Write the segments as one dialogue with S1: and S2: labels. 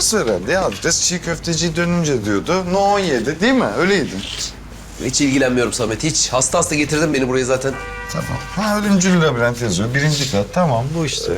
S1: ters herhalde ya. Adres çiğ köfteciyi dönünce diyordu. No 17 değil mi? Öyleydi.
S2: Hiç ilgilenmiyorum Samet, hiç. Hasta hasta getirdin beni buraya zaten.
S1: Tamam. Ha ölümcül labirent yazıyor. 1. kat. Tamam bu işte.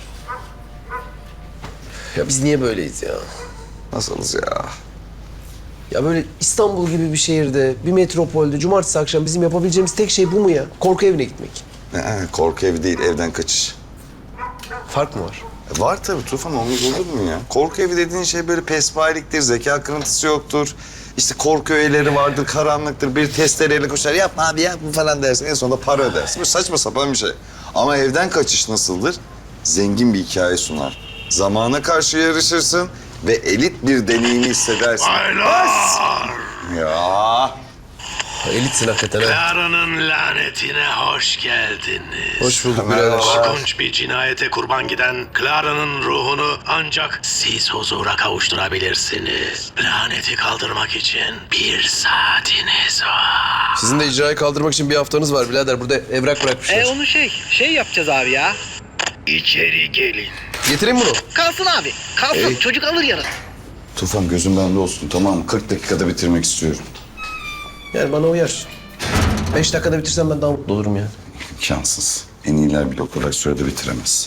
S2: Ya biz niye böyleyiz ya?
S1: Nasılız ya?
S2: Ya böyle İstanbul gibi bir şehirde, bir metropolde cumartesi akşam bizim yapabileceğimiz tek şey bu mu ya? Korku evine gitmek.
S1: Korku evi değil, evden kaçış.
S2: Fark mı var?
S1: Var tabii Tufan, olmaz olur mu ya? Korku evi dediğin şey böyle pespayeliktir, zeka kırıntısı yoktur. İşte korku öğeleri vardır, karanlıktır, bir testereyle koşar. Yapma abi ya bu falan dersin. En sonunda para ödersin. Böyle saçma sapan bir şey. Ama evden kaçış nasıldır? Zengin bir hikaye sunar. Zamana karşı yarışırsın ve elit bir deneyimi hissedersin.
S3: Baylar!
S1: Ya.
S2: Elitsin hakikaten ha.
S3: Clara'nın lanetine hoş geldiniz.
S2: Hoş bulduk
S1: Merhaba.
S2: birader.
S3: Korkunç bir cinayete kurban giden Clara'nın ruhunu ancak siz huzura kavuşturabilirsiniz. Laneti kaldırmak için 1 saatiniz var.
S2: Sizin de icrayı kaldırmak için bir haftanız var birader. Burada evrak bırakmışlar.
S4: Onu şey yapacağız abi ya.
S3: İçeri gelin.
S2: Getireyim bunu.
S4: Kalsın abi. Kalsın. Çocuk alır yarın.
S1: Tufan gözüm bende olsun, tamam mı? 40 dakikada bitirmek istiyorum.
S2: Yani bana uyar. 5 dakikada bitirsem ben daha mutlu olurum yani.
S1: İmkansız. En iyiler bile o kadar sürede bitiremez.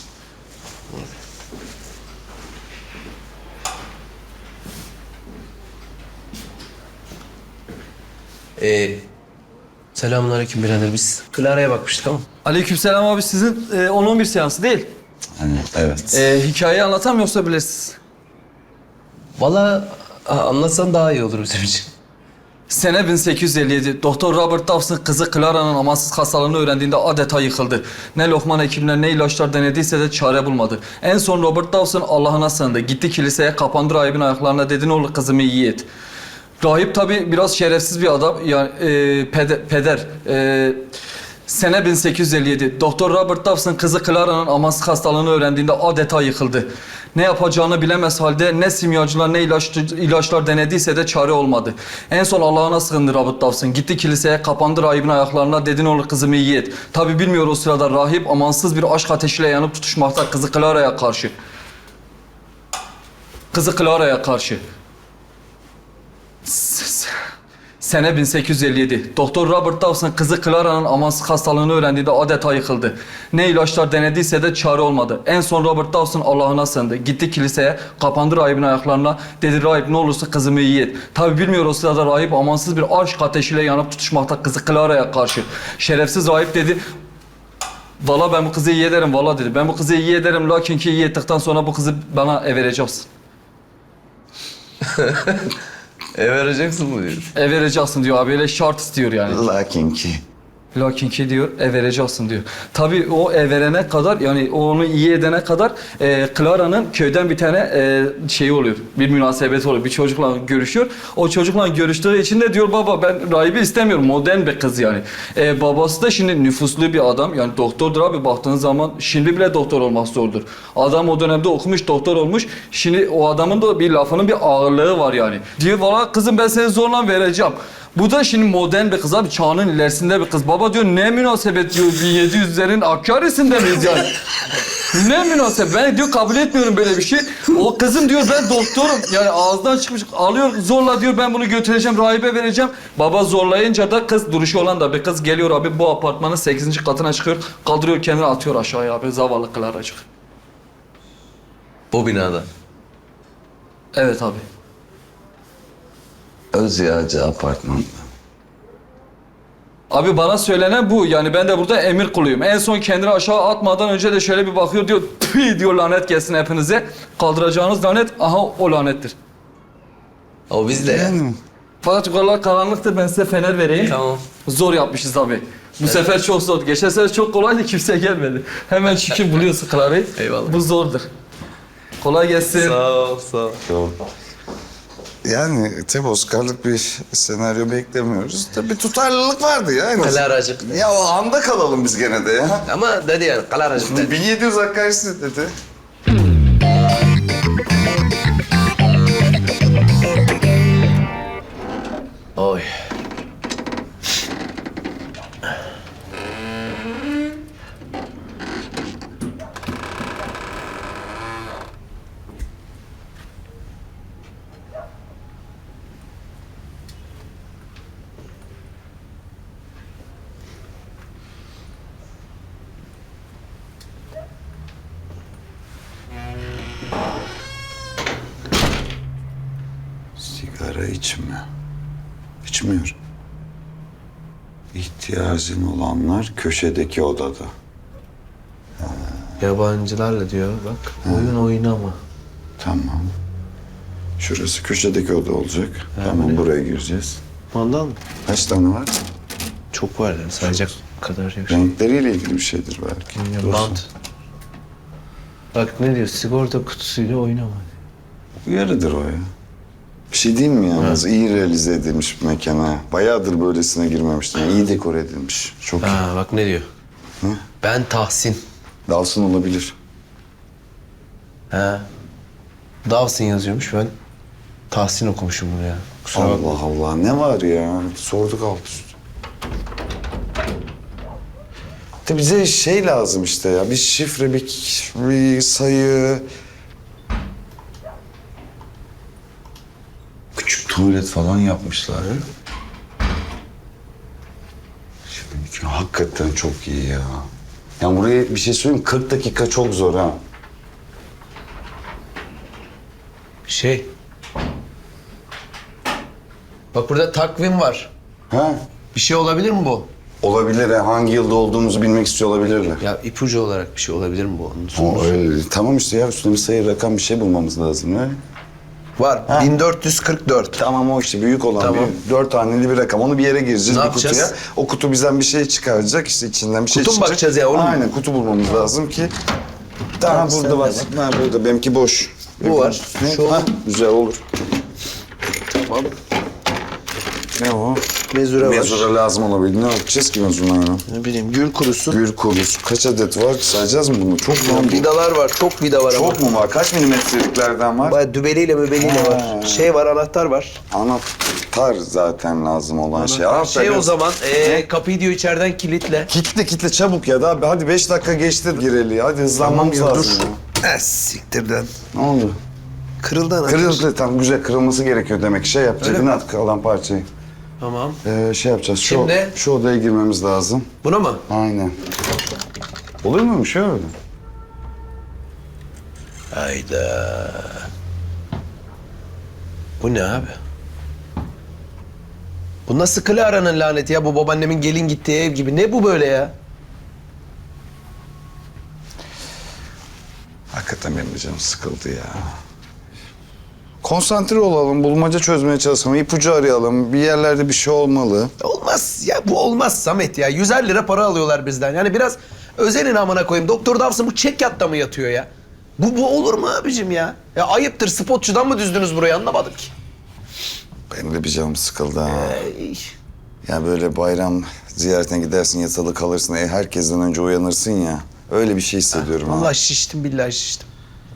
S2: Selamünaleyküm birader. Biz Clara'ya bakmıştık ama.
S5: Aleykümselam abi, sizin 10-11 seansı değil.
S1: Hani evet.
S5: Hikayeyi anlatam yoksa bilirsiniz.
S2: Vallahi anlatsan daha iyi olur bizim için.
S5: Sene 1857. Doktor Robert Dawson kızı Clara'nın amansız hastalığını öğrendiğinde adeta yıkıldı. Ne lokman hekimler ne ilaçlar denediyse de çare bulmadı. En son Robert Dawson Allah'ına sığındı. Gitti kiliseye, kapandı rahibin ayaklarına, dedi ne olur kızımı iyi et. Rahip tabii biraz şerefsiz bir adam. Yani peder. Sene 1857. Doktor Robert Dawson kızı Clara'nın amansız hastalığını öğrendiğinde adeta yıkıldı. Ne yapacağını bilemez halde ne simyacılar ne ilaçlar denediyse de çare olmadı. En son Allah'ına sığındı Robert Dawson. Gitti kiliseye, kapandı rahibin ayaklarına, dedi ne olur kızımı iyi et. Tabii bilmiyor o sırada rahip amansız bir aşk ateşiyle yanıp tutuşmakta kızı Clara'ya karşı. Kızı Clara'ya karşı. Sene 1857. Doktor Robert Dawson kızı Clara'nın amansız hastalığını öğrendiğinde adeta yıkıldı. Ne ilaçlar denediyse de çare olmadı. En son Robert Dawson Allah'ına sığındı. Gitti kiliseye, kapandı rahibin ayaklarına. Dedi rahip ne olursa kızımı iyi et. Tabi bilmiyor o sırada rahip amansız bir aşk ateşiyle yanıp tutuşmakta kızı Clara'ya karşı. Şerefsiz rahip dedi, valla ben bu kızı iyi ederim valla dedi. Ben bu kızı iyi ederim lakin ki iyi ettikten sonra bu kızı bana vereceksin.
S2: vereceksin mı diyor.
S5: Vereceksin diyor abi, öyle şart istiyor yani.
S1: Lakin ki.
S5: Lakin ki diyor, vereceksin diyor. Tabii o verene kadar, yani onu iyi edene kadar Clara'nın köyden bir tane şeyi oluyor. Bir münasebeti oluyor. Bir çocukla görüşüyor. O çocukla görüştüğü için de diyor baba ben rahibi istemiyorum. Modern bir kız yani. Babası da şimdi nüfuslu bir adam. Yani doktordur abi, baktığın zaman şimdi bile doktor olmak zordur. Adam o dönemde okumuş, doktor olmuş. Şimdi o adamın da bir lafının bir ağırlığı var yani. Diyor valla kızım ben seni zorla vereceğim. Bu da şimdi modern bir kız abi, çağının ilerisinde bir kız. Baba diyor ne münasebet diyor, 1700'lerin Hakkari'sinde miyiz yani? Ne münasebet, ben diyor kabul etmiyorum böyle bir şey. O kızım diyor ben doktorum, yani ağızdan çıkmış alıyor zorla diyor ben bunu götüreceğim rahibe vereceğim. Baba zorlayınca da kız, duruşu olan da bir kız geliyor abi bu apartmanın 8. katına çıkıyor. Kaldırıyor kendini atıyor aşağıya abi, zavallı Clara'cık.
S2: Bu binada.
S5: Evet abi.
S1: Özyağcı apartmanda.
S5: Abi bana söylenen bu. Yani ben de burada emir kuluyum. En son kendini aşağı atmadan önce de şöyle bir bakıyor diyor. Tüy diyor lanet gelsin hepinize. Kaldıracağınız lanet aha o lanettir.
S2: Ama biz de yani.
S5: Fakat yukarılar karanlıktır, ben size fener vereyim.
S2: Tamam.
S5: Zor yapmışız abi. Bu sefer çok zor. Geçen sefer çok kolaydı, kimse gelmedi. Hemen çünkü buluyorsun Clara'yı.
S2: Eyvallah.
S5: Bu zordur. Kolay gelsin.
S2: Sağ ol, sağ ol.
S1: Yok. Yani tabii Oscar'lık bir senaryo beklemiyoruz. Tabii tutarlılık vardı ya en azından.
S2: Clara'cık.
S1: Ya o anda kalalım biz gene de ya.
S2: Ama dedi yani Clara'cık dedi.
S1: 1700 Hakkari'si dedi.
S2: Oy.
S1: Sigara içme. İçmiyor. İhtiyacın olanlar köşedeki odada.
S2: Yabancılarla diyor bak. Oyun oynama.
S1: Tamam. Şurası köşedeki oda olacak. Tamam, buraya gireceğiz.
S2: Mandal mı?
S1: Kaç tane var?
S2: Çok var yani sayacak kadar yok.
S1: Renkleriyle ilgili bir şeydir belki.
S2: Bant. Bak ne diyor? Sigorta kutusuyla oynama.
S1: Uyarıdır o ya. Bir şey diyeyim mi yalnız? İyi realize edilmiş bir mekana. Bayağıdır böylesine girmemiştim. İyi dekor edilmiş. Çok iyi.
S2: Ha bak ne diyor? Ben Tahsin.
S1: Dalsın olabilir.
S2: Ha. Dawson yazıyormuş ben. Tahsin okumuşum bunu ya. Kusura bakma.
S1: Allah Allah, ne var ya? Sorduk alt üst. De bize şey lazım işte ya. Bir şifre, bir sayı. Küçük tuvalet falan yapmışlar. Şimdi hakikaten çok iyi ya. Yani buraya bir şey söyleyeyim, 40 dakika çok zor ha.
S2: Şey. Bak burada takvim var.
S1: Ha?
S2: Bir şey olabilir mi bu?
S1: Olabilir ha. Hangi yılda olduğumuzu bilmek istiyor olabilirler.
S2: Ya ipucu olarak bir şey olabilir mi bu? Onun
S1: O öyle. Tamam işte ya, üstüne bir sayı, rakam, bir şey bulmamız lazım ya.
S2: Var. 1444.
S1: Tamam, o işte büyük olan
S2: Tamam.
S1: bir 4 haneli bir rakam. Onu bir yere gireceğiz,
S2: Ne
S1: bir
S2: yapacağız?
S1: kutuya. O kutu bizden bir şey çıkaracak, işte içinden bir şey
S2: Kutu mu
S1: çıkacak.
S2: bakacağız ya, onu mu?
S1: Aynen, kutu bulmamız lazım ki. Tamam, burada
S2: sende
S1: var. Ha, burada, benimki boş.
S2: Bu var.
S1: Ne?
S2: Şu
S1: Ha,
S2: olur.
S1: güzel olur.
S2: Tamam.
S1: Ne o?
S2: Mezure var.
S1: Mezura lazım olabilir. Ne yapacağız ki mezurayla?
S2: Ne bileyim gül kurusu.
S1: Gül kurusu. Kaç adet var? Sayacağız mı bunu? Çok mu?
S2: Vidalar var. Çok vida var ama.
S1: Çok mu var? Kaç milimetreliklerden var?
S2: Bayağı dübeliyle mübeliyle
S1: Ha.
S2: var. Şey var, anahtar var.
S1: Anahtar zaten lazım olan şey. Anahtar
S2: Şey o
S1: biraz-
S2: zaman kapıyı diyor içeriden kilitle.
S1: Kitle çabuk ya da abi, hadi 5 dakika geçti gireli. Hadi hızlanmamız
S2: Tamam ya,
S1: lazım.
S2: dur.
S1: Ya.
S2: Siktirden.
S1: Ne oldu?
S2: Kırıldı anahtar.
S1: Kırıldı, tam güzel, kırılması gerekiyor demek. Şey yapacak,
S2: Öyle mi?
S1: inat kalan parçayı.
S2: Tamam.
S1: Şey yapacağız,
S2: Şimdi?
S1: şu odaya girmemiz lazım.
S2: Buna mı?
S1: Aynen. Olur mu şey öyle?
S2: Hayda. Bu ne abi? Bu nasıl Clara'nın laneti ya? Bu babaannemin gelin gittiği ev gibi. Ne bu böyle ya?
S1: Hakikaten benim de canım sıkıldı ya. Konsantre olalım, bulmaca çözmeye çalışalım, ipucu arayalım. Bir yerlerde bir şey olmalı.
S2: Olmaz ya, bu olmaz Samet ya. 150 lira para alıyorlar bizden. Yani biraz özenin amına koyayım. Doktor Dawson bu çek yatta mı yatıyor ya? Bu olur mu abicim ya? Ya ayıptır, spotçudan mı düzdünüz burayı, anlamadım ki.
S1: Benim de bir canım sıkıldı ha. Ya böyle bayram ziyaretine gidersin, yatılı kalırsın, herkesten önce uyanırsın ya. Öyle bir şey hissediyorum ha.
S2: Vallahi şiştim, billahi şiştim.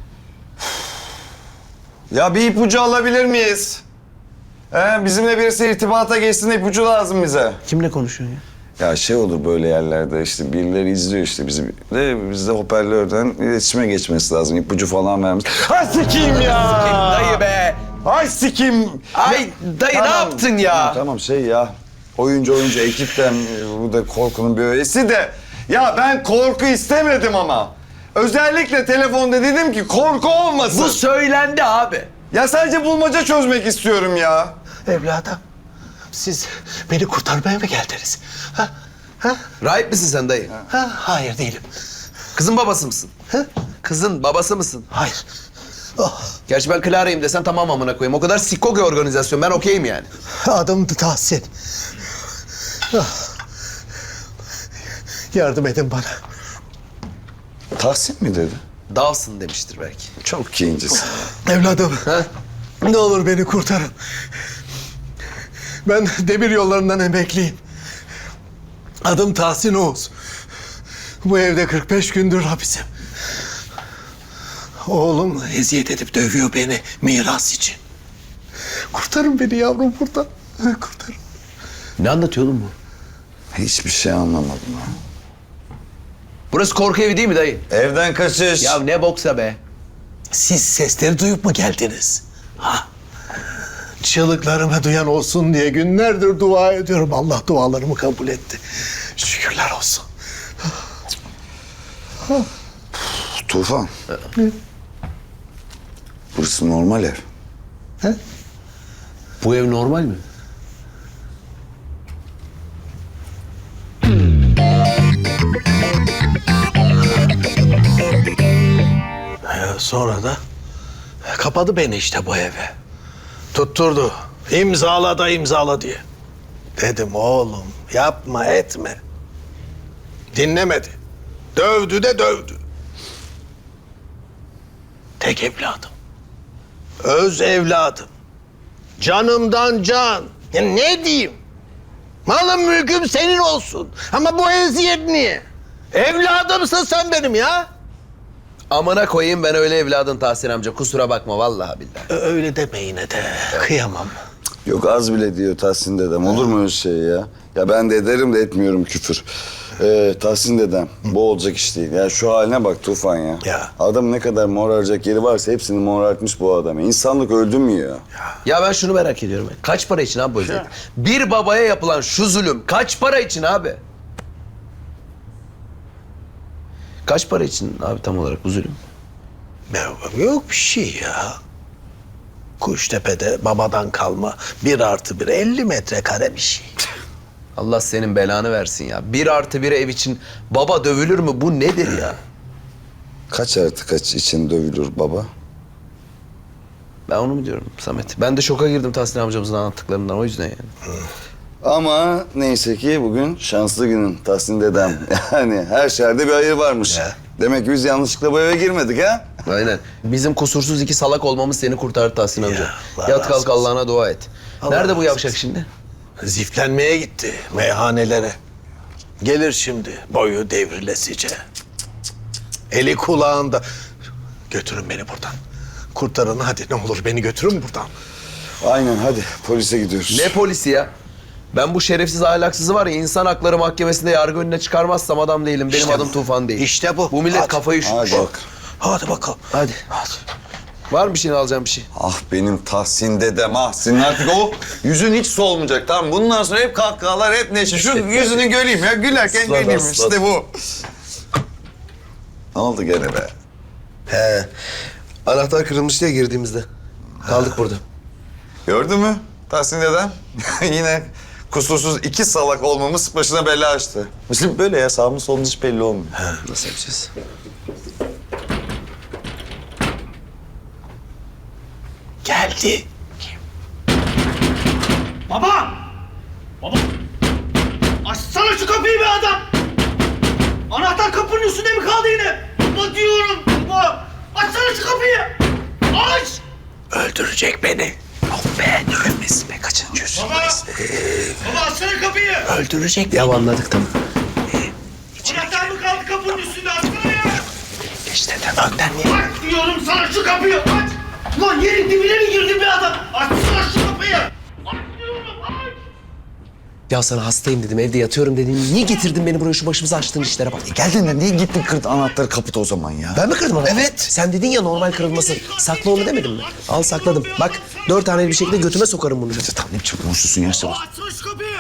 S1: Ya bir ipucu alabilir miyiz? Bizimle birisi irtibata geçsin, ipucu lazım bize.
S2: Kimle konuşuyorsun ya?
S1: Ya şey olur böyle yerlerde, işte birileri izliyor işte bizi. Biz de hoparlörden iletişime geçmesi lazım, ipucu falan vermemiz. Ay sikeyim ya!
S2: Dayı be!
S1: Ay sikeyim!
S2: Ay dayı ne yaptın ya?
S1: Tamam şey ya, oyuncu ekipten bu da korkunun bir öğesi de. Ya ben korku istemedim ama. Özellikle telefonda dedim ki korku olmasın.
S2: Bu söylendi abi.
S1: Ya sadece bulmaca çözmek istiyorum ya.
S2: Evladım, siz beni kurtarmaya mı geldiniz? Ha? Ha? Rahip misin sen dayı? Ha? Hayır değilim. Kızın babası mısın? Ha? Kızın babası mısın? Hayır. Oh. Gerçi ben Clara'yım desen tamam amına koyayım. O kadar sikko ki organizasyon. Ben okeyim yani.
S6: Adım Tahsin. Yardım edin bana.
S1: Tahsin mi dedi?
S2: Dawson demiştir belki.
S1: Çok kincisin.
S6: Evladım,
S2: Ha?
S6: ne olur beni kurtarın. Ben demir yollarından emekliyim. Adım Tahsin Oğuz. Bu evde 45 gündür hapisim. Oğlum eziyet edip dövüyor beni miras için. Kurtarın beni yavrum buradan. Kurtarın.
S2: Ne anlatıyor oğlum bu?
S1: Hiçbir şey anlamadım ha.
S2: Burası korku evi değil mi dayı?
S1: Evden kaçış.
S2: Ya ne boksa be.
S6: Siz sesleri duyup mu geldiniz? Ha? Çığlıklarımı duyan olsun diye günlerdir dua ediyorum. Allah dualarımı kabul etti. Şükürler olsun.
S1: Tufan. Burası normal ev.
S6: He?
S2: Bu ev normal mi?
S6: Sonra da kapadı beni işte bu eve. Tutturdu. İmzala da imzala diye. Dedim oğlum yapma etme. Dinlemedi. Dövdü de dövdü. Tek evladım. Öz evladım. Canımdan can. Ya ne diyeyim? Malım mülküm senin olsun. Ama bu eziyet niye? Evladımsın sen benim ya.
S2: Amına koyayım ben öyle evladın Tahsin amca. Kusura bakma vallahi billahi.
S6: Öyle deme yine de. Kıyamam.
S1: Yok az bile diyor Tahsin dedem. Olur mu öyle şey ya? Ya ben de ederim de etmiyorum küfür. Tahsin dedem bu olacak iş değil. Ya şu haline bak Tufan ya.
S6: Ya.
S1: Adam ne kadar moraracak yeri varsa hepsini morartmış bu adam. İnsanlık öldü mü ya?
S2: Ya ben şunu merak ediyorum. Kaç para için abi bu eziyet? Bir babaya yapılan şu zulüm kaç para için abi? Kaç para için abi tam olarak bu zulüm?
S6: Ya, yok bir şey ya. Kuştepe'de babadan kalma 1+1 50 metrekare bir şey.
S2: Allah senin belanı versin ya. 1+1 ev için baba dövülür mü? Bu nedir ya?
S1: Kaç artı kaç için dövülür baba?
S2: Ben onu mu diyorum Samet? Ben de şoka girdim Tahsin amcamızın anlattıklarından o yüzden yani.
S1: Ama neyse ki bugün şanslı günün Tahsin dedem. Yani her şerde bir hayır varmış.
S6: Ya.
S1: Demek ki biz yanlışlıkla bu eve girmedik ha?
S2: Aynen. Bizim kusursuz iki salak olmamız seni kurtardı Tahsin amca.
S6: Allah
S2: Yat
S6: razı
S2: kalk
S6: olsun.
S2: Allah'ına dua et.
S6: Allah
S2: Nerede bu
S6: razı
S2: yavşak
S6: olsun.
S2: şimdi?
S6: Ziflenmeye gitti meyhanelere. Gelir şimdi boyu devrilesice. Eli kulağında. Götürün beni buradan. Kurtarın hadi ne olur beni götürün buradan.
S1: Aynen hadi polise gidiyoruz.
S2: Ne polisi ya? Ben bu şerefsiz ahlaksızı var ya insan hakları mahkemesinde yargı önüne çıkarmazsam adam değilim. Benim
S6: İşte
S2: adım
S6: bu.
S2: Tufan değil.
S6: İşte bu.
S2: Bu millet
S6: Hadi.
S2: kafayı üşütmüş.
S1: Hadi bak.
S6: Hadi bakalım.
S2: Hadi. Var mı bir şeyini alacağım bir şey?
S1: Ah benim Tahsin dedem ah. Senin artık o yüzün hiç solmayacak tamam. Bundan sonra hep kahkahalar hep neşe. Şu yüzünü göreyim ya gülerken
S2: Aslan,
S1: göreyim
S2: aslan.
S1: işte bu. Ne oldu gene be?
S2: He. Anahtar kırılmış diye girdiğimizde. Kaldık burada.
S1: Gördün mü Tahsin dedem? Yine kusursuz iki salak olmamız başına bela açtı. Şimdi böyle ya sağımız solumuz hiç belli olmuyor.
S2: Nasıl yapacağız?
S6: Geldi.
S7: Baba! Baba! Açsana şu kapıyı be adam! Anahtar kapının üstünde mi kaldı yine? Baba diyorum baba! Açsana şu kapıyı! Aç!
S6: Öldürecek beni. Yok be ölmesin be kaçıncı yüzü.
S7: Baba! Baba açsana kapıyı!
S6: Öldürecek
S2: Ya
S6: beni.
S2: anladık tamam.
S7: Anahtar mı kaldı kapının üstünde? Açsana ya!
S6: İşte de önden niye?
S7: Aç diyorum sana şu kapıyı! Aç! Ulan yerin dibine mi girdin be adam? Açsana şu kapıyı! Aç diyorum aç!
S2: Ya sana hastayım dedim evde yatıyorum dedim. Niye getirdin beni buraya şu başımıza açtığın işlere bak.
S1: Geldin de niye gittin kırdın anahtarı kapıda o zaman ya?
S2: Ben mi kırdım onu?
S1: Evet.
S2: Sen dedin ya normal kırılması. Sakla onu demedim mi? Al sakladım. Bak 4 tane bir şekilde götüme sokarım bunu.
S1: Tamam ne biçim konuşuyorsun ya işte bak.
S7: Açsana şu kapıyı!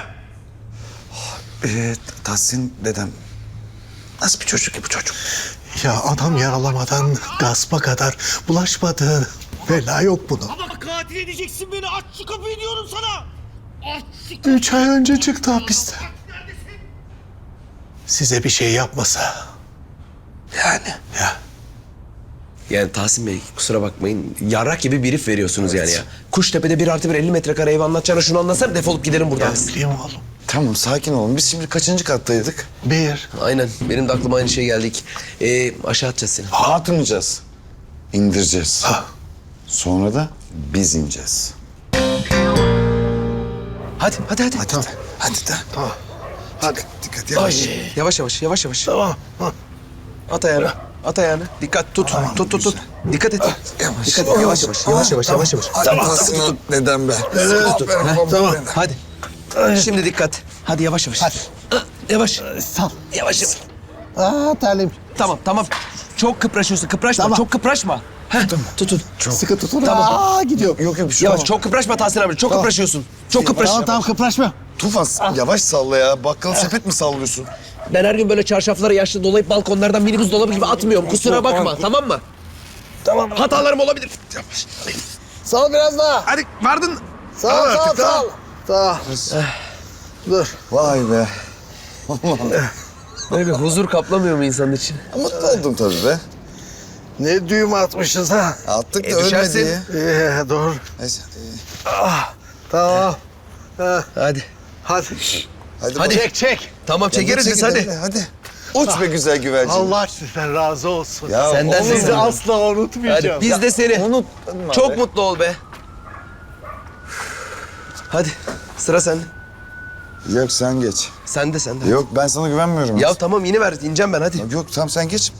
S1: Tahsin dedem nasıl bir çocuk ki bu çocuk?
S6: Ya adam yaralamadan gaspa kadar bulaşmadı. Bela yok bunun.
S7: Baba katil edeceksin beni! Aç şu kapıyı diyorum sana! Aç şu
S6: 3 ay önce çıktı hapisten.
S7: Neredesin?
S6: Size bir şey yapmasa. Yani. Ya.
S2: Yani Tahsin Bey kusura bakmayın. Yarrak gibi bir herif veriyorsunuz yani ya. Kuştepe'de 1+1 50 metrekare ev anlatacağına şunu anlatsana defolup gidelim buradan.
S6: Ya bileyim oğlum.
S1: Tamam sakin olun. Biz şimdi kaçıncı kattaydık?
S6: 1.
S2: Aynen benim de aklıma aynı şey geldik. Aşağı atacağız seni.
S1: Atmayacağız. İndireceğiz.
S6: Ha.
S1: Sonra da biz ineceğiz.
S2: Hadi.
S6: Tamam.
S1: Hadi de.
S6: Tamam. Hadi.
S1: Dikkat yavaş.
S2: Yavaş.
S6: Tamam. Ha.
S2: At ayağını. At ayağını. Dikkat tut. Tut. Dikkat et.
S1: Yavaş.
S2: Dikkat et. Yavaş.
S1: Sen Tahsin'in dedem be.
S6: Tamam.
S2: Hadi. Şimdi dikkat. Hadi yavaş. Hadi. Yavaş.
S6: Sal.
S2: Yavaş.
S6: Aa terlim.
S2: Tamam. Çok kıpraşıyorsun. Kıpraşma.
S6: Tamam.
S2: Çok kıpraşma. Heh, tutun.
S6: Sıkı tutun.
S2: Tamam.
S6: Aa gidiyor.
S1: Yok bir şey
S2: Yavaş.
S1: olmaz.
S2: Çok kıpraşma Tahsin abi. Çok kıpraşıyorsun. Çok kıpraş.
S6: Tamam kıpraşma.
S1: Tufan yavaş salla ya. Bakkal sepet mi sallıyorsun?
S2: Ben her gün böyle çarşaflara yaşlı dolayıp balkonlardan minibüs dolabı gibi atmıyorum. Kusura bakma. Tamam mı?
S6: Tamam.
S2: Hatalarım olabilir.
S6: Sal biraz daha.
S2: Hadi vardın.
S6: Sağ ol, sağ ol, sağ ol. Sağ ol. Dur.
S1: Vay be.
S2: Böyle huzur kaplamıyor mu insanın için?
S1: Mutlu oldum tabii be.
S6: Ne düğüm atmışız ha.
S1: Attık da
S2: düşersin.
S1: ölmedi ya.
S6: Doğru.
S1: Neyse.
S6: Tamam. Ha,
S2: Hadi.
S6: hadi.
S2: Hadi.
S6: Çek, çek.
S2: Tamam çekeriz biz hadi.
S1: Hadi. Uç be güzel güvercin.
S6: Allah sizden razı olsun.
S1: Ya,
S2: Senden
S1: olur
S2: de
S1: mu?
S6: Sizi asla unutmayacağım.
S2: Hadi biz de seni.
S1: Unutma
S2: Çok
S1: be.
S2: mutlu ol be. Hadi sıra sende.
S1: Yok sen geç.
S2: Sen de.
S1: Yok ben sana güvenmiyorum.
S2: Ya tamam yine ver ineceğim ben hadi.
S1: Yok tamam sen geç.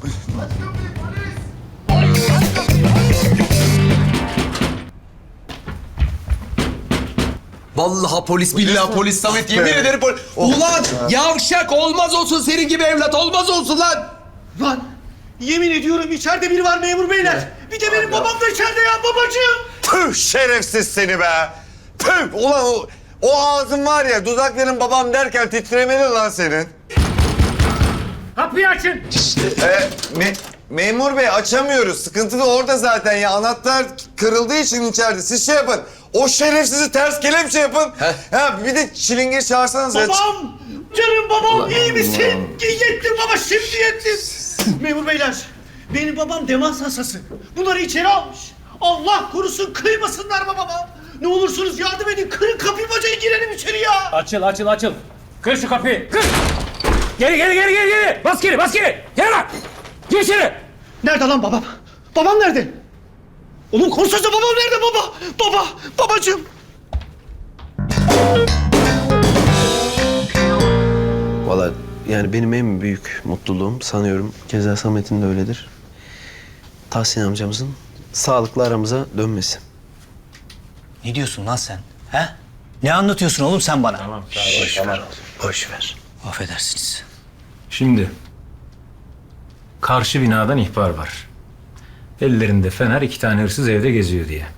S2: Vallahi polis billahi polis Samet yemin ederim polis. Ulan yavşak olmaz olsun senin gibi evlat olmaz olsun lan.
S7: Lan yemin ediyorum içeride biri var memur beyler. Bir de benim babam da içeride ya babacığım.
S1: Püh şerefsiz seni be. Püh ulan o ağzın var ya dudakların babam derken titremeli lan senin.
S7: Kapıyı açın.
S1: Memur bey açamıyoruz. Sıkıntı da orada zaten ya. Anahtar kırıldığı için içeride. Siz şey yapın. O şerefsizi ters kelepçe yapın. Ha bir de çilingir çağırsanız.
S7: Babam! Canım babam iyi misin? Yettim baba şimdi yettim. Memur beyler benim babam demans hastası. Bunları içeri almış. Allah korusun kıymasınlar babama. Ne olursunuz yardım edin. Kırın kapıyı bacayı girelim içeri ya.
S8: Açıl. Kır şu kapıyı. Kır. Geri. Bas geri. Gel lan. Gir içeri.
S7: Nerede lan babam? Babam nerede? Oğlum konuşsana babam nerede baba? Babacığım.
S9: Valla yani benim en büyük mutluluğum sanıyorum keza Samet'in de öyledir. Tahsin amcamızın sağlıklı aramıza dönmesi.
S10: Ne diyorsun lan sen? He? Ne anlatıyorsun oğlum sen bana?
S8: Tamam.
S9: Boş ver.
S10: Affedersiniz.
S8: Şimdi karşı binadan ihbar var. Ellerinde fener 2 tane hırsız evde geziyor diye.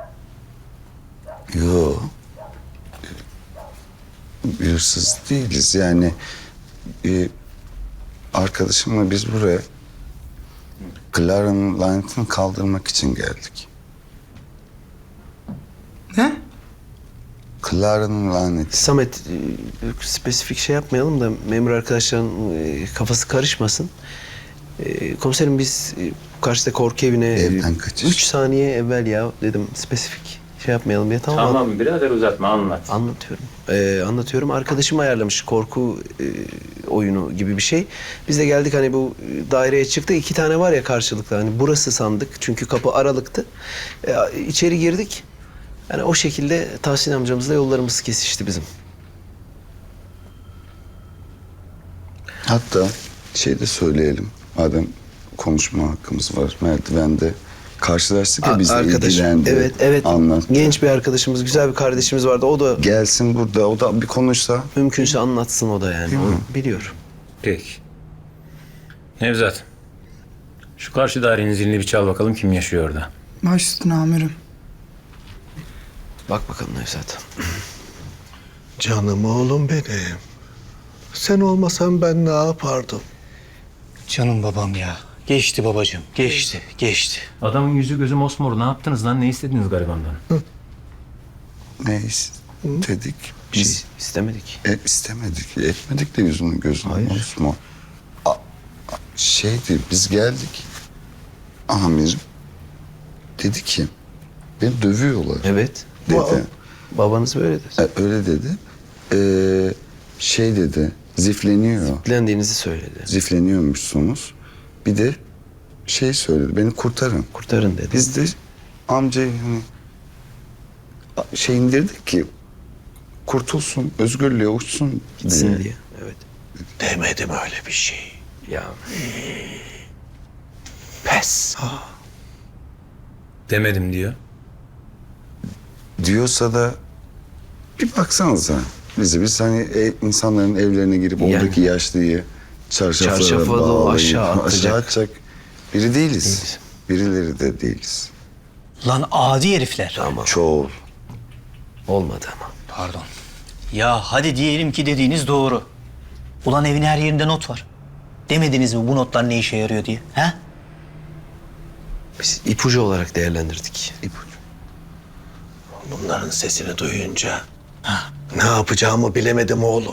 S1: Yo. Hırsız değiliz yani. Arkadaşımla biz buraya Clara'nın lanetini kaldırmak için geldik.
S10: Ne?
S1: Clara'nın laneti.
S9: Samet spesifik şey yapmayalım da memur arkadaşların kafası karışmasın. Komiserim biz karşıda korku evine
S1: Evden kaçış.
S9: 3 saniye evvel ya dedim spesifik şey yapmayalım diye tamam mı?
S8: birader uzatma anlat.
S9: Anlatıyorum. Arkadaşım ayarlamış korku oyunu gibi bir şey. Biz de geldik hani bu daireye çıktık. 2 tane var ya karşılıklı. Hani burası sandık. Çünkü kapı aralıktı. İçeri girdik. Yani o şekilde Tahsin amcamızla yollarımız kesişti bizim.
S1: Hatta şey de söyleyelim. Madem konuşma hakkımız var. Merdivende karşılaştık ya bizle ilgilendi.
S9: Evet.
S1: Anlat.
S9: Genç bir arkadaşımız, güzel bir kardeşimiz vardı. O da
S1: Gelsin burada. O da bir konuşsa.
S9: mümkünse anlatsın o da yani. O biliyor.
S8: Peki. Nevzat. Şu karşı dairenin zilini bir çal bakalım kim yaşıyor orada.
S11: Baş üstüne amirim.
S9: Bak bakalım Nevzat.
S6: Canım oğlum benim. Sen olmasan ben ne yapardım?
S10: Canım babam ya. Geçti babacığım. Geçti.
S8: Adamın yüzü gözü mosmor. Ne yaptınız lan? Ne istediniz garibandan?
S1: Ne istedik? Biz
S9: İstemedik.
S1: istemedik. Etmedik de yüzünü gözünü. Osman. Şeydi biz geldik. Amirim dedi ki beni dövüyorlar
S9: Evet.
S1: dedi.
S9: Babanız böyle dedi.
S1: Öyle dedi. Şey dedi zifleniyor.
S9: Dilendiğinizi söyledi.
S1: Zifleniyormuşsunuz. Bir de şey söyledi beni kurtarın.
S9: Kurtarın dedi.
S1: Biz de amcayı hani şey indirdik ki kurtulsun, özgürlüğe uçsun
S9: Gitsin diye. Evet.
S6: Demedim öyle bir şey.
S9: Ya
S6: Pes.
S8: Demedim diyor.
S1: Diyorsa da bir baksanıza. Biz hani insanların evlerine girip
S9: Yani.
S1: oradaki yaşlıyı çarşaflara
S9: Çarşafa da
S1: bağlayıp
S9: aşağı atacak.
S1: atacak biri değiliz. Birileri de değiliz.
S10: Lan adi herifler.
S9: Tamam.
S1: Çoğul.
S9: Olmadı ama.
S10: Pardon. Ya hadi diyelim ki dediğiniz doğru. Ulan evin her yerinde not var. Demediniz mi bu notlar ne işe yarıyor diye? He?
S9: Biz ipucu olarak değerlendirdik.
S1: İpucu.
S6: Bunların sesini duyunca ne yapacağımı bilemedim oğlum.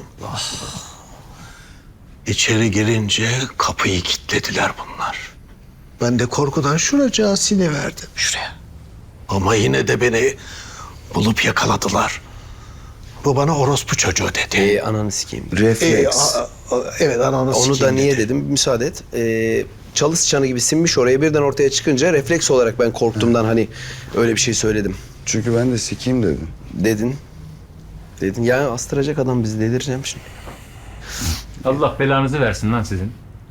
S6: İçeri girince kapıyı kilitlediler bunlar. Ben de korkudan şuracığa siniverdim.
S10: Şuraya.
S6: Ama yine de beni bulup yakaladılar. Bu bana orospu çocuğu dedi.
S9: Ananı sikeyim.
S1: Refleks.
S6: Evet, ananı
S9: Onu da
S6: sikeyim
S9: niye
S6: dedi.
S9: dedim? Müsaade et. Çalı çanı gibi sinmiş oraya birden ortaya çıkınca refleks olarak ben korktuğumdan hani öyle bir şey söyledim.
S1: Çünkü ben de sikeyim dedim.
S9: Dedin. Ya astıracak adam bizi, delireceğim şimdi.
S8: Allah belanızı versin lan sizin.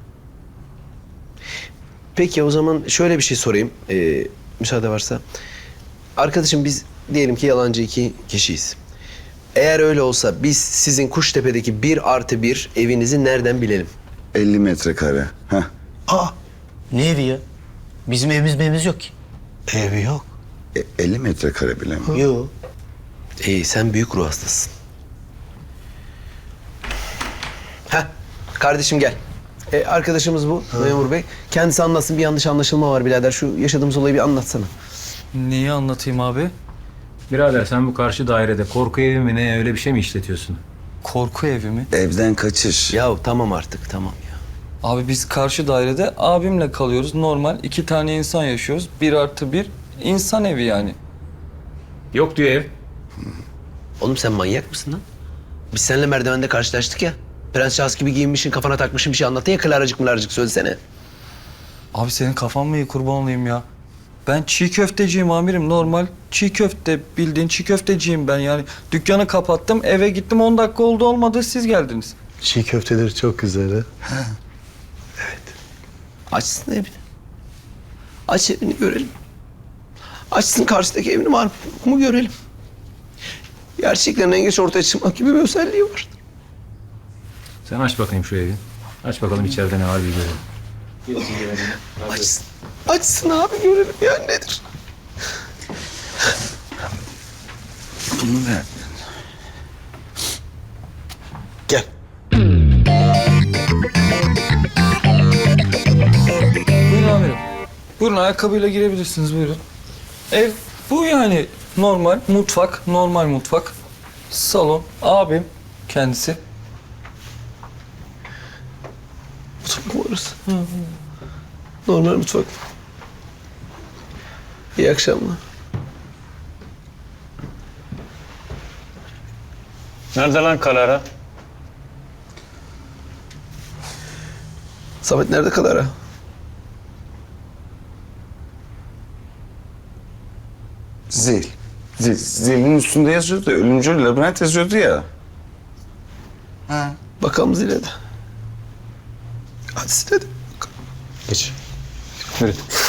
S9: Peki o zaman şöyle bir şey sorayım. Müsaade varsa. Arkadaşım biz diyelim ki yalancı 2 kişiyiz. Eğer öyle olsa biz sizin Kuştepe'deki 1+1 evinizi nereden bilelim?
S1: 50 metrekare. Heh.
S6: Aa,
S10: Ne evi ya? Bizim evimiz yok ki.
S6: evi yok.
S1: 50 metrekare bile mi?
S10: Yok.
S9: Sen büyük ruh hastasın. Kardeşim gel. Arkadaşımız bu memur bey. Kendisi anlatsın, bir yanlış anlaşılma var birader. Şu yaşadığımız olayı bir anlatsana.
S5: Neyi anlatayım abi?
S8: Birader sen bu karşı dairede korku evi mi ne öyle bir şey mi işletiyorsun?
S5: Korku evi mi?
S1: Evden kaçış.
S9: Ya tamam artık, tamam ya.
S5: Abi biz karşı dairede abimle kalıyoruz. Normal 2 tane insan yaşıyoruz. 1+1 insan evi yani.
S8: Yok diyor ev.
S9: Oğlum sen manyak mısın lan? Biz seninle merdivende karşılaştık ya. Prens Charles gibi giyinmişsin, kafana takmışsın bir şey anlattın ya, klaracık mılarcık söylesene.
S5: Abi senin kafan mı iyi, kurban olayım ya? Ben çiğ köfteciyim amirim, normal. Çiğ köfte, bildiğin çiğ köfteciyim ben yani. Dükkanı kapattım, eve gittim, 10 dakika oldu olmadı siz geldiniz.
S6: Çiğ köfteleri çok güzel ha.
S9: Açsın evini. Aç evini görelim. Açsın karşıdaki evini var mı görelim. Gerçeklerin en geç ortaya çıkmak gibi bir özelliği var.
S8: Sen aç bakayım şu evi. Aç bakalım içeride ne var bir görelim.
S9: Açsın. Açsın abi görelim ya, nedir?
S1: Bunu ver.
S6: Gel.
S5: Buyurun amirim. Buyurun, ayakkabıyla girebilirsiniz, buyurun. Ev bu yani, normal mutfak, normal mutfak. Salon, abim kendisi.
S9: Mutfak mı orası? Normal mutfak. İyi akşamlar.
S8: Nerede lan Kalara?
S9: Samet nerede kadar ha?
S1: Zil. Zilin üstünde yazıyordu. Ölümcül labirent yazıyordu ya.
S9: Bakalım zile de. Hadi zile de.
S8: Geç. Yürü.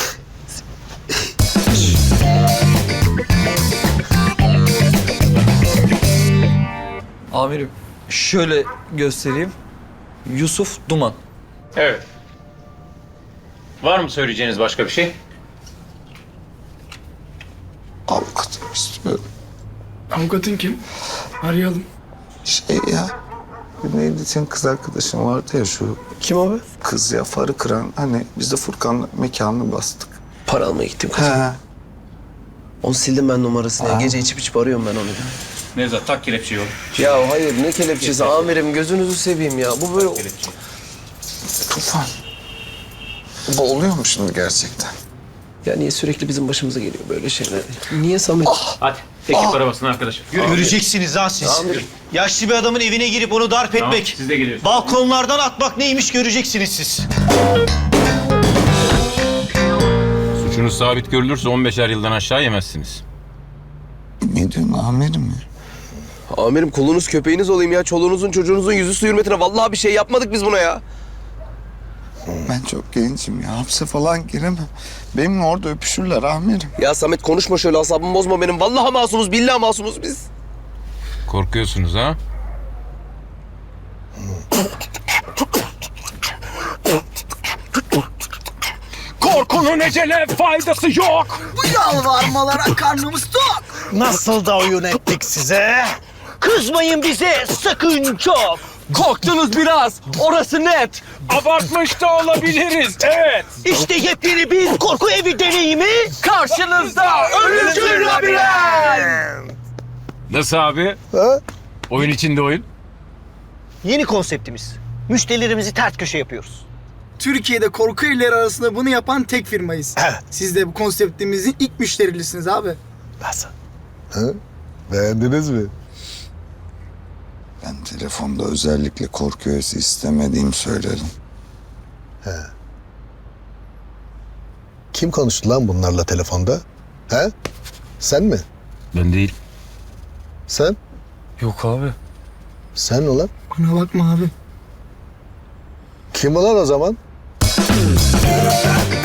S5: Amirim şöyle göstereyim. Yusuf Duman.
S8: Evet. Var mı söyleyeceğiniz başka bir şey?
S1: Avukatım istiyorum.
S11: Avukatın kim? Arayalım.
S1: Şey ya. Neydi senin kız arkadaşın vardı ya şu
S9: Kim abi?
S1: kız ya, farı kıran. Hani biz de Furkan'la mekanını bastık.
S9: Para almaya gittim kızım.
S1: He.
S9: Onu sildim ben numarasını. Ya. Gece içip arıyorum ben onu.
S8: Nevzat tak kelepçeyi oğlum.
S9: Ya hayır, ne kelepçesi amirim, gözünüzü seveyim ya. Bu böyle...
S1: Tufan. Bu oluyor mu şimdi gerçekten?
S9: Ya niye sürekli bizim başımıza geliyor böyle şeyler? Niye Samet?
S8: Hadi tek arabasına arkadaşım. Yürü.
S6: Göreceksiniz ha siz. Yaşlı bir adamın evine girip onu darp
S8: Tamam,
S6: etmek,
S8: siz de geliyorsunuz.
S6: balkonlardan atmak neymiş göreceksiniz siz.
S8: Suçunuz sabit görülürse 15'er yıldan aşağı yemezsiniz.
S1: Ne diyorsun amirim ya?
S9: Amirim kulunuz köpeğiniz olayım ya. Çoluğunuzun çocuğunuzun yüzü su hürmetine. Vallahi bir şey yapmadık biz buna ya.
S1: Ben çok gencim ya. Hapse falan giremem. Benimle orada öpüşürler amirim.
S9: Ya Samet konuşma şöyle, asabımı bozma benim. Vallahi masumuz, billahi masumuz biz.
S8: Korkuyorsunuz ha? Korkunun ecele faydası yok.
S7: Bu yalvarmalara karnımız tok.
S6: Nasıl da oyun ettik size?
S7: Kızmayın bize sakın çok.
S5: Korktunuz biraz, orası net.
S8: Abartmış da olabiliriz, evet.
S7: İşte yepyeni bir korku evi deneyimi.
S5: Karşınızda
S7: Ölümcül labirent.
S8: Nasıl abi?
S6: Ha?
S8: Oyun içinde oyun.
S4: Yeni konseptimiz. Müşterilerimizi ters köşe yapıyoruz.
S11: Türkiye'de korku evleri arasında bunu yapan tek firmayız. Siz de bu konseptimizin ilk müşterilisiniz abi.
S6: Nasıl?
S1: Beğendiniz mi? Ben telefonda özellikle korku öğesi istemediğimi söyledim.
S6: Kim konuştu lan bunlarla telefonda? He? Sen mi?
S8: Ben değil.
S6: Sen?
S5: Yok abi.
S6: Sen ulan?
S11: Bana bakma abi.
S6: Kim ulan o zaman?